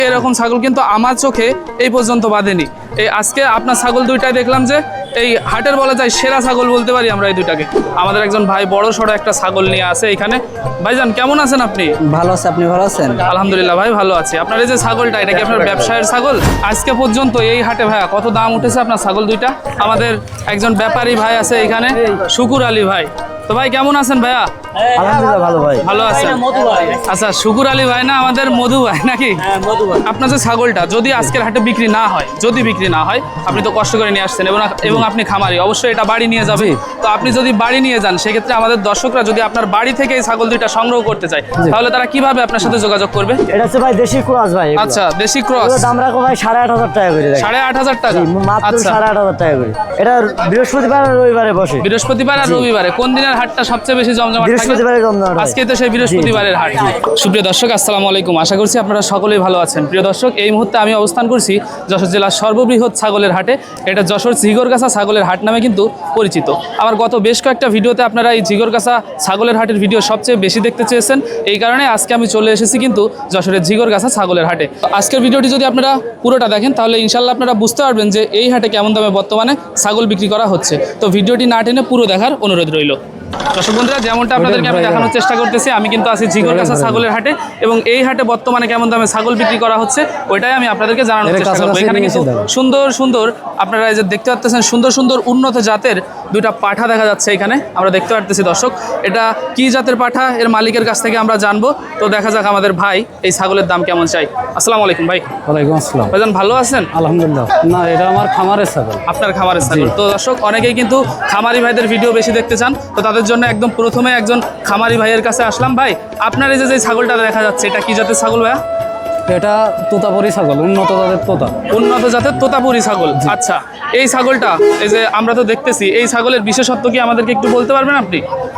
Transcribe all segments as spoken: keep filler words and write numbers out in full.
এরকম ছাগল কিন্তু আমার চোখে এই পর্যন্ত বাঁধেনি। এই আজকে আপনার ছাগল দুইটাই দেখলাম যে এই হাটের বলা যায় সেরা ছাগল বলতে পারি আমরা এই দুইটাকে। আমাদের একজন ভাই বড় সড়ো একটা ছাগল নিয়ে আসে এখানে। ভাইজান কেমন আছেন আপনি? ভালো আছে, আপনি ভালো আছেন? আলহামদুলিল্লাহ ভাই ভালো আছি। আপনার এই যে ছাগলটা, এটা কি আপনার ব্যবসায়ের ছাগল? আজকে পর্যন্ত এই হাটে ভাইয়া কত দাম উঠেছে আপনার ছাগল দুইটা? আমাদের একজন ব্যাপারী ভাই আছে এখানে, শুকুর আলী ভাই। তো ভাই কেমন আছেন ভাইয়া? আলহামদুলিল্লাহ ভালো ভাই। ভালো আছেন? আচ্ছা, শুকুর আলী ভাই না আমাদের মধু ভাই নাকি? আপনার যে ছাগলটা যদি আজকের হাটে বিক্রি না হয়, যদি বিক্রি না হয়, আপনি তো কষ্ট করে নিয়ে আসছেন এবং এবং আপনি খামারি, অবশ্যই এটা বাড়ি নিয়ে যাবে। তো আপনি যদি বাড়ি নিয়ে যান, সেক্ষেত্রে আমাদের দর্শকরা যদি আপনার বাড়ি থেকে এই ছাগল দুইটা সংগ্রহ করতে চায়, তাহলে তারা কিভাবে আপনার সাথে যোগাযোগ করবে? এটা হচ্ছে ভাই দেশি ক্রস ভাই। আচ্ছা, দেশি ক্রস। দাম রাখো ভাই সাড়ে আট হাজার টাকা করে। সাড়ে আট হাজার টাকা মাত্র সাড়ে আট হাজার টাকা করে। এটা বৃহস্পতিবার আর রবিবারে বসে। বৃহস্পতিবার আর রবিবারে কোন দিনের হাটটা সবচেয়ে বেশি জমজমাট থাকে? বৃহস্পতিবারে জমজমাট। আজকে তো সেই বৃহস্পতিবারের হাট। সুপ্রিয় দর্শক, আসসালামু আলাইকুম। আশা করছি আপনারা সকলেই ভালো আছেন। প্রিয় দর্শক, এই মুহূর্তে আমি অবস্থান করছি যশোর জেলার সর্ববৃহৎ ছাগলের হাটে। এটা যশোর ঝিগরগাছা ছাগলের হাট নামে কিন্তু পরিচিত। আমার গত বেশ কয়েকটা ভিডিওতে আপনারা এই ঝিগরগাছা ছাগলের হাটের ভিডিও সবচেয়ে বেশি দেখতে চেয়েছেন। এই কারণে আজকে আমি চলে এসেছি কিন্তু যশোরের ঝিগরগাছা ছাগলের হাটে। আজকের ভিডিওটি যদি আপনারা পুরোটা দেখেন, তাহলে ইনশাল্লাহ আপনারা বুঝতে পারবেন যে এই হাটে কেমন দামে বর্তমানে ছাগল বিক্রি করা হচ্ছে। তো ভিডিওটি না টেনে পুরো দেখার অনুরোধ রইল। দর্শক বন্ধুরা, যেমনটা আপনাদেরকে আমি দেখানোর চেষ্টা করতেছি, আমি কিন্তু আছি ঝিগরগাছা ছাগলের হাটে এবং এই হাটে বর্তমানে কেমন দামে ছাগল বিক্রি করা হচ্ছে ওইটাই আমি আপনাদেরকে জানানোর চেষ্টা করবো। এখানে কিন্তু সুন্দর সুন্দর আপনারা এই যে দেখতে পাচ্ছেন, সুন্দর সুন্দর উন্নত জাতের দুইটা পাঠা দেখা যাচ্ছে এখানে আমরা দেখতে পাচ্ছি। দর্শক, এটা কি জাতের পাঠা এর মালিকের কাছ থেকে আমরা জানবো। তো দেখা যাক আমাদের ভাই এই ছাগলের দাম কেমন চাই। আসসালামু আলাইকুম ভাই। ওয়ালাইকুম আসসালাম। ভাইজান ভালো আছেন? আলহামদুলিল্লাহ। না, এটা আমার খামারের ছাগল। আপনার খামারের ছাগল। তো দর্শক, অনেকেই কিন্তু খামারি ভাইদের ভিডিও বেশি দেখতে চান, তো তাদের জন্য একদম প্রথমে একজন খামারি ভাইয়ের কাছে আসলাম। ভাই, আপনার এই যে যে ছাগলটা দেখা যাচ্ছে, এটা কি জাতের ছাগল ভাইয়া? এটা তোতাপুরি ছাগল, উন্নত জাতের তোতা। উন্নত জাতের তোতাপুরি ছাগল। আচ্ছা, এই ছাগলটা এই যে আমরা তো দেখতেছি, এই ছাগলের বিশেষত্ব কি আমাদেরকে একটু বলতে পারবেন আপনি?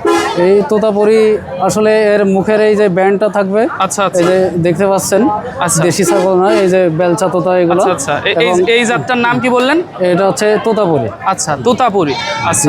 এই তোতাপুরি আসলে এর মুখের এই যে ব্যান্ডটা থাকবে। আচ্ছা আচ্ছা, এই যে দেখতে পাচ্ছেন, আচ্ছা, দেশি ছাগল না, এই যে বেলচা তোতা এগুলো। আচ্ছা আচ্ছা, এই এই জাতটার নাম কি বললেন? এটা হচ্ছে তোতাপুরি। আচ্ছা, তোতাপুরি। আচ্ছা,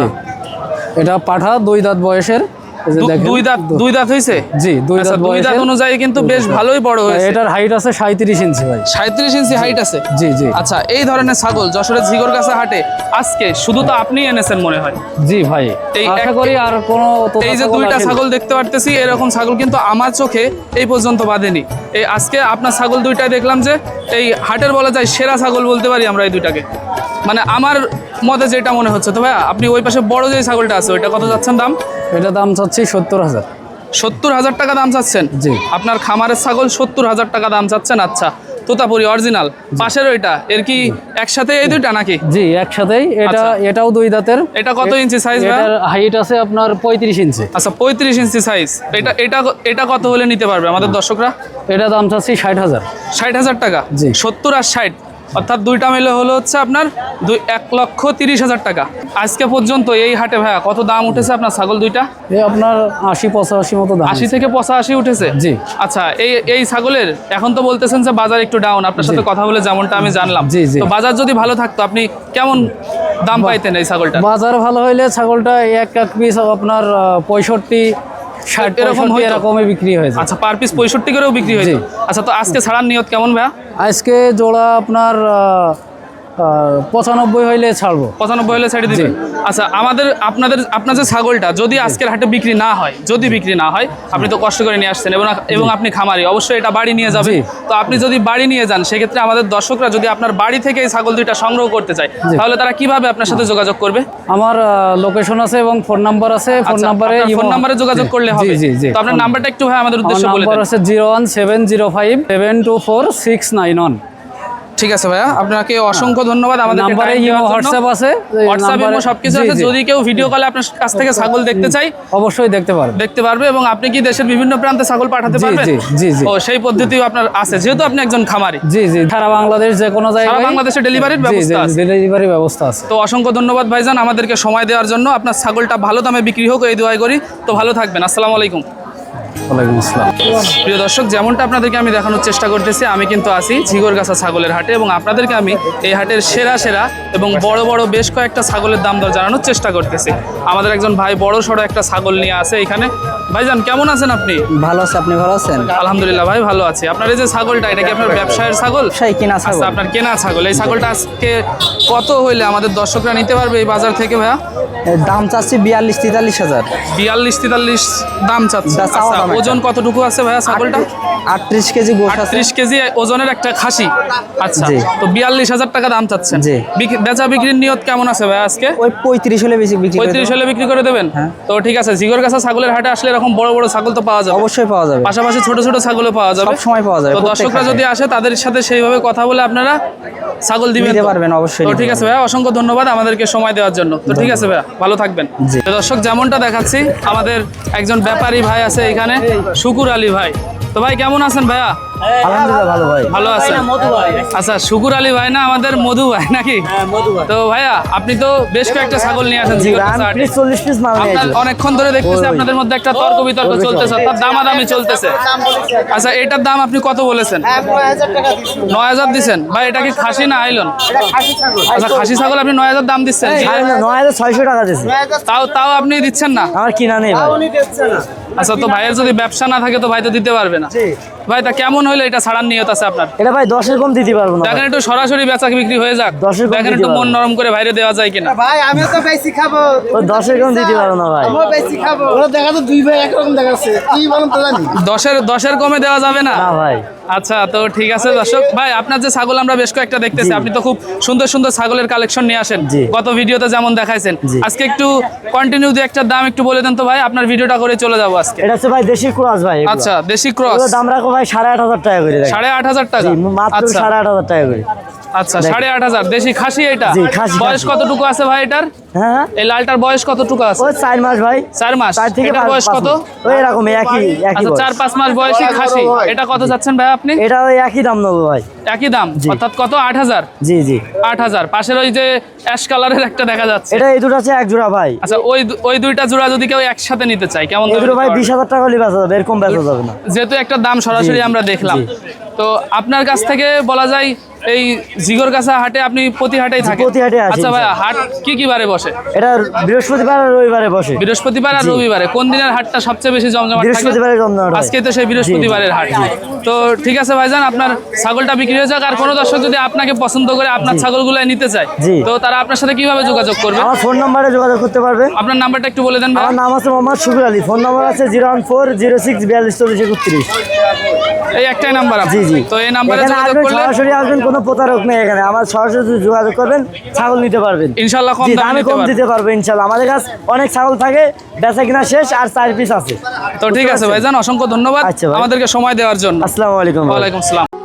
এটা পাঠা দুই দাঁত বয়সের। দুই দাঁত দুই দাঁত হয়েছে? জি, দুই দাঁত দুই দাঁত অনুযায়ী কিন্তু বেশ ভালোই বড় হয়েছে। এটার হাইট আছে সাঁত্রিশ ইঞ্চি ভাই। সাঁত্রিশ ইঞ্চি হাইট আছে? জি জি। আচ্ছা, এই ধরনের ছাগল যশোরের ঝিগরগাছা হাটে আজকে শুধু তো আপনি এনেছেন মনে হয়? জি ভাই, এই আশা করি আর কোনো। এই যে দুইটা ছাগল দেখতে পারতেছি, এরকম ছাগল কিন্তু আমার চোখে এই পর্যন্ত বাঁধেনি। এই আজকে আপনার ছাগল দুইটাই দেখলাম যে এই হাটের বলা যায় সেরা ছাগল বলতে পারি আমরা এই দুইটাকে। মানে আমার মতে যেটা মনে হচ্ছে। তো ভাইয়া, আপনি ওই পাশে বড় যে ছাগলটা আছে ওইটা কত যাচ্ছেন দাম? এটা দাম চাচ্ছি সত্তর হাজার। সত্তর হাজার টাকা দাম চাচ্ছেন? জি। আপনার খামারের ছাগল সত্তর হাজার টাকা দাম চাচ্ছেন। আচ্ছা, তোতাপুরি অরিজিনাল। পাশের ওইটা এর কি একসাথে এই দুইটা নাকি? জি, একসাথেই। এটা এটাও দুই দাঁতের। এটা কত ইঞ্চি সাইজ? এটার হাইট আছে আপনার পঁয়ত্রিশ ইঞ্চি। আচ্ছা, পঁয়ত্রিশ ইঞ্চি সাইজ। এটা এটা এটা কত হলে নিতে পারবে আমাদের দর্শকরা? এটা দাম চাচ্ছি ষাট হাজার। ষাট হাজার টাকা? জি। সত্তর আর ষাট, অর্থাৎ দুইটা মিলে হলো হচ্ছে আপনার দুই এক লক্ষ তিরিশ হাজার টাকা। আজকে পর্যন্ত এই হাটে ভাইয়া কত দাম উঠেছে আপনার ছাগল দুইটা? এই আপনার আশি পঁচাশি মতো দাম। আশি থেকে পঁচাশি উঠেছে? জি। আচ্ছা, এই এই ছাগলের এখন তো বলতেছেন যে বাজার একটু ডাউন, আপনার সাথে কথা বলে যেমনটা আমি জানলাম। জি জি। তো বাজার যদি ভালো থাকতো আপনি কেমন দাম পাইতেন এই ছাগলটা? বাজার ভালো হইলে ছাগলটা এক এক পিস আপনার পঁয়ষট্টি ষাট এরকম এরকমই বিক্রি হয়েছে। আচ্ছা, পার পিস পঁয়ষট্টি করেও বিক্রি হয়েছে? আচ্ছা, তো আজকে ছাড়ার নিয়ত কেমন ভাইয়া? আজকে জোড়া আপনার পঁচানব্বই হইলে ছাড়বো। পঁচানব্বই হলে ছেড়ে দিবেন? আচ্ছা, আমাদের আপনাদের আপনার যে ছাগলটা যদি আজকের হাটে বিক্রি না হয়, যদি বিক্রি না হয়, আপনি তো কষ্ট করে নিয়ে আসছেন এবং এবং আপনি খামারি, অবশ্যই এটা বাড়ি নিয়ে যাবে। তো আপনি যদি বাড়ি নিয়ে যান, সেক্ষেত্রে আমাদের দর্শকরা যদি আপনার বাড়ি থেকে এই ছাগল দুইটা সংগ্রহ করতে চায়, তাহলে তারা কিভাবে আপনার সাথে যোগাযোগ করবে? আমার লোকেশন আছে এবং ফোন নাম্বার আছে। ফোন নাম্বারে ফোন নাম্বারে যোগাযোগ করলে হবে? জি জি। তো আপনার নাম্বারটা একটু ভাই আমাদের উদ্দেশ্যে বলে দেন। নাম্বার আছে zero one seven zero five seven two four six nine one. ঠিক আছে ভাইয়া, আপনাকে অসংখ্য ধন্যবাদ। আমাদের নাম্বারে হোয়াটসঅ্যাপ আছে, হোয়াটসঅ্যাপ ইমো সবকিছু আছে। যদি কেউ ভিডিও কলে আপনার কাছ থেকে ছাগল দেখতে চাই, অবশ্যই দেখতে পারবে দেখতে পারবে এবং আপনি কি দেশের বিভিন্ন প্রান্তে ছাগল পাঠাতে পারবেন? জি জি জি। ও, সেই পদ্ধতিও আপনার আছে যেহেতু আপনি একজন খামারি? জি জি, সারা বাংলাদেশ যে কোনো জায়গায় সারা বাংলাদেশে ডেলিভারির ব্যবস্থা আছে? ডেলিভারি ব্যবস্থা আছে। তো অসংখ্য ধন্যবাদ ভাইজান আমাদেরকে সময় দেওয়ার জন্য। আপনার ছাগলটা ভালো দামে বিক্রি হোক এই দোয়া করি। তো ভালো থাকবেন। আসসালামু আলাইকুম। ওয়ালাইকুম আসসালাম। প্রিয় দর্শক, যেমনটা আপনাদেরকে আমি দেখানোর চেষ্টা করতেছি, আমি কিন্তু আছি ঝিগরগাছা ছাগলের হাটে এবং আপনাদেরকে আমি এই হাটের সেরা সেরা এবং বড় বড় বেশ কয়েকটা ছাগলের দাম দর জানানোর চেষ্টা করতেছি। আমাদের একজন ভাই বড় সড়ো একটা ছাগল নিয়ে আসে এখানে। ভাইজান কেমন আছেন আপনি? ভালো আছে, আপনি ভালো আছেন? আলহামদুলিল্লাহ ভাই ভালো আছি। আপনার এই যে ছাগলটা, এটা কি আপনার ব্যবসায়ের ছাগল? সেই কিনা ছাগল। আচ্ছা, আপনার কেনা ছাগল। এই ছাগলটা আজকে কত হইলে আমাদের দর্শকরা নিতে পারবে এই বাজার থেকে ভাইয়া? এর দাম চাচ্ছি বিয়াল্লিশ তেতাল্লিশ হাজার। বিয়াল্লিশ তেতাল্লিশ দাম চাচ্ছে। দা চাওয়া আচ্ছা, দাম এটা। ওজন কতটুকু আছে ভাইয়া ছাগলটা? আটত্রিশ কেজি গোশ আছে। ত্রিশ কেজি ওজনের একটা খাসি। আচ্ছা, জি। তো বিয়াল্লিশ হাজার টাকা দাম চাচ্ছেন। জি। বিক- বেচা বিক্রির নিয়ত কেমন আছে ভাইয়া আজকে? ওই পঁয়ত্রিশ হলে বেশি বিক্রি করে পঁয়ত্রিশ দেবো। হলে বিক্রি করে দেবেন? হ্যাঁ। তো ঠিক আছে, জিগরগাছা ছাগলের হাটে আসলে এরকম বড় বড় ছাগল তো পাওয়া যাবে, অবশ্যই পাওয়া যাবে, পাশাপাশি ছোট ছোট ছাগলও পাওয়া যাবে। সব সময় পাওয়া যাবে। তো প্রত্যেক দর্শকরা হাটে। যদি আসে তাদের সাথে সেইভাবে কথা বলে আপনারা ছাগল দিবেন নিতে তো? পারবেন, অবশ্যই তো নিতে ঠিক আছে ভাইয়া, অসংখ্য ধন্যবাদ আমাদেরকে সময় দেওয়ার জন্য। তো ঠিক আছে ভাইয়া, ভালো থাকবেন। জি। তো দর্শক যেমনটা দেখাচ্ছি, আমাদের একজন ব্যাপারী ভাই আছে এখানে, শুকুর আলী ভাই। তো ভাই কেমন আছেন ভাইয়া? আলহামদুলিল্লাহ ভালো ভাই। ভালো আছেন? আচ্ছা, শুকুর আলী ভাই না আমাদের মধু ভাই নাকি? তো ভাইয়া আপনি তো বেশ কয়েকটা ছাগল নিয়ে আসেন জিগরগাছা হাটে। চল্লিশ পিস মাল নিয়ে আপনার আসি। অনেকক্ষণ ধরে দেখতেছি ওই। আপনাদের মধ্যে একটা তর্ক বিতর্ক চলতেছে, অর্থাৎ দামাদামি চলতেছে। আচ্ছা, এটার দাম আপনি কত বলেছেন? নয় হাজার দিচ্ছেন ভাই। এটা কি খাসি না আইলন? আচ্ছা, খাসি ছাগল আপনি নয় হাজার দাম দিচ্ছেন। নয় হাজার ছয়শো টাকা দিয়েছি। তাও তাও আপনি দিচ্ছেন না? আমার কিনা নেই ভাই। আচ্ছা, তো ভাইয়ের যদি ব্যবসা না থাকে তো ভাই তো দিতে পারবে না। ভাই তা কেমন হইলে এটা ছাড়ার নিয়ত আছে আপনার? এটা ভাই দশের কম দিতে পারবো না ভাই। দেখেন একটু সরাসরি বেচা বিক্রি হয়ে যাক, দশের কম দেখেন দিতে একটু মন পারবো না। নরম করে বাইরে দেওয়া যায় কিনা। ভাই আমিও তো বেশি খাবো। ও দশের কম দিতে পারবো না ভাই। আমিও বেশি খাবো। ওরা দেখা তো দুই ভাই একরকম দেখাচ্ছে। কি বলুন তো জানি। দশের দশের কমে দেওয়া যাবে না? না ভাই। আচ্ছা, তো ঠিক আছে দর্শক ভাই, আপনার যে ছাগল আমরা বেশ কয়েকটা দেখতেছি, আপনি তো খুব সুন্দর সুন্দর ছাগলের কালেকশন নিয়ে আসেন, জি। গত ভিডিওতে যেমন দেখাইছেন। জি। আজকে একটু কন্টিনিউ দিয়ে একটা দাম একটু বলে দেন তো ভাই, আপনার ভিডিওটা করে চলে যাবো আজকে। এটা হচ্ছে ভাই দেশি ক্রস ভাই। এগুলো। আচ্ছা, দেশি ক্রস। এগুলো দাম রাখো ভাই সাড়ে আট হাজার টাকা করে। দেখেন। সাড়ে আট হাজার টাকা? জি, মাত্র আচ্ছা সাড়ে আট হাজার টাকা করে। আচ্ছা, সাড়ে আট হাজার দেশি খাসি এটা? জি, খাসি, বয়স খাসি। কতটুকু আছে ভাই এটার? হ্যাঁ এই লালটার বয়স কতটুকু আছে? ওই চার মাস ভাই। চার মাস। চার থেকে এটার পাঁচ- বয়স পাঁচ কত? মাস। ওই এরকম একই একই আচ্ছা, বয়স। চার পাঁচ মাস বয়সী খাসি। এটা কত চাচ্ছেন ভাই আপনি? এটা ওই একই দাম নেবো ভাই। একই দাম, জি। অর্থাৎ কত? আট হাজার? জি জি। আট হাজার। পাশের ওই যে অ্যাশ কালারের একটা দেখা যাচ্ছে, এটা এই দুটো আছে এক জোড়া ভাই। আচ্ছা, ওই দু- ওই দুইটা জোড়া যদি কেউ একসাথে নিতে চায় কেমন এই দামে দুটো ভাই দিতে পারবেন? বিশ হাজার টাকা হলে বেচা যাবে, এরকম বেচা যাবে না। যেহেতু একটা দাম সরাসরি জি, আমরা দেখলাম, জি। তো আপনার কাছ থেকে বলা যায় এই জিগরগাছা হাটে আপনি প্রতি হাটেই থাকেন? প্রতি হাটে আসি, আচ্ছা ভাই, হাট কি কি বারে বসে? এটা বৃহস্পতিবার আর রবিবারে বসে। বৃহস্পতিবার আর জি। রবিবারে। কোন দিনের হাটটা সবচেয়ে বেশি জমজমাট থাকে? বৃহস্পতিবারে জমজমাট হয়। আজকে তো সেই বৃহস্পতিবারের হাট। তো ঠিক আছে ভাইজান, আপনার ছাগলটা বিক্রি হয়ে যাক। আর কোনো দর্শক যদি আপনাকে পছন্দ করে আপনার ছাগলগুলো নিতে চায়, জি। তো তারা আপনার সাথে কিভাবে যোগাযোগ করবে? আমার ফোন নাম্বারে যোগাযোগ করতে পারবে। আপনার নাম্বারটা একটু বলে দেন ভাই। আমার নাম আছে মোহাম্মদ শুকুর আলী। ফোন নাম্বার আছে zero one four zero six বিয়াল্লিশ চল্লিশ একত্রিশ। এই একটাই নাম্বার জি জি। তো এই নাম্বারে এখানে যোগাযোগ আসবেন, করলে সরাসরি আসবেন, কোনো প্রতারক নেই এখানে। আমার সরাসরি যোগাযোগ করবেন, ছাগল নিতে পারবেন। ইনশাল্লাহ কম জি, দামে দামে নিতে কম পারবেন। দিতে পারবে ইনশাল্লাহ। আমাদের কাছে অনেক ছাগল থাকে, বেচা কিনা শেষ, আর চার পিস আছে। তো ঠিক আছে ভাইজান, অসংখ্য ধন্যবাদ আচ্ছা ভাই। আমাদেরকে সময় দেওয়ার জন্য। আসসালামু আলাইকুম ভাই। ওয়ালাইকুম আসসালাম।